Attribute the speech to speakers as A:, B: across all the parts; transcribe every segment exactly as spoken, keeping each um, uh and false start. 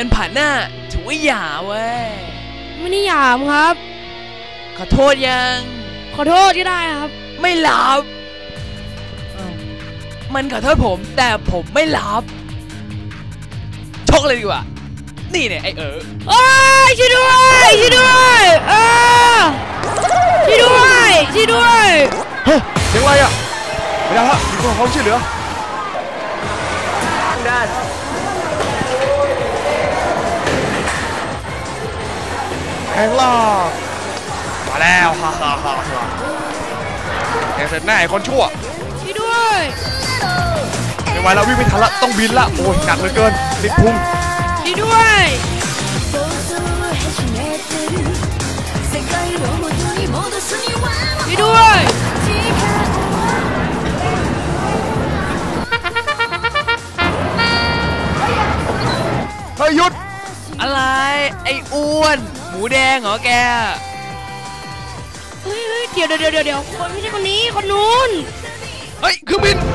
A: นผ่านหน้าถือว่าหยาเว้ย
B: ไม่ได้หยามครับ
A: ขอโทษยัง
B: ขอโทษก็ได้ครับ
A: ไม่รับมันขอโทษผมแต่ผมไม่รับชกเลยดีกว่านี่เนี่ยไอเออ
B: โอ้ยช่วยด้วยช่วยด้วยเออช่วยด้วยช่วยด้วย
C: เฮ้ยเสียงอะไรอ่ะไม่ได้ฮะมีคนเขาช่วยเหลือด้านแข่งล่ามาแล้วฮ่าฮ่าฮ่าฮ่าแข่งเสร็จแน่คนชั่ว
B: ช่วยด้วย
C: ไม่ไหวแล้ววิ่งไม่ทันละต้องบินละโอ้ยหนักเหลือเกินติดพุง
B: ช่วยด้วยช่วยด้วย
C: เฮ้ยหยุด
A: อะไรไอ้อ้วนหมูแดงเหรอแก
B: เฮ้ยเดี๋ยวเดี๋ยวเดี๋ยวเดี๋ยวคนไม่ใช่คนนี้คนนู้น
A: เฮ้ยเครื่องบิน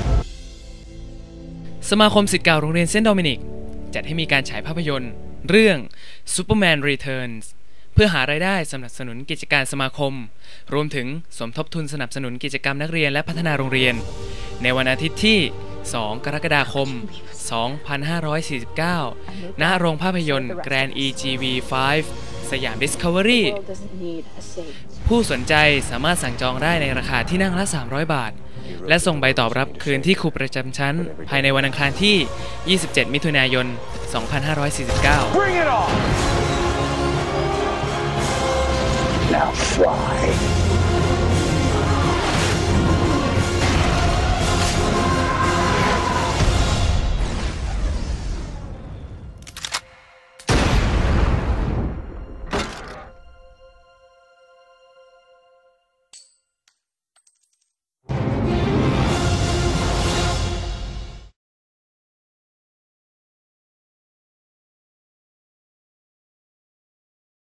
A: สมาคมศิษย์เก่าโรงเรียนเซนต์โดมินิกจัดให้มีการฉายภาพยนตร์เรื่อง Superman Returns เพื่อหารายได้สนับสนุนกิจการสมาคมรวมถึงสมทบทุนสนับสนุนกิจกรรมนักเรียนและพัฒนาโรงเรียนในวันอาทิตย์ที่สองกรกฎาคมสองพันห้าร้อยสี่สิบเก้าณโรงภาพยนตร์ Grand อี จี วี ไฟว์ สยาม Discovery ผู้สนใจสามารถสั่งจองได้ในราคาที่นั่งละสามร้อยบาทและส่งใบตอบรับคืนที่ครูประจำชั้นภายในวันอังคารที่ยี่สิบเจ็ดมิถุนายนสองพันห้าร้อยสี่สิบเก้า
D: Now fly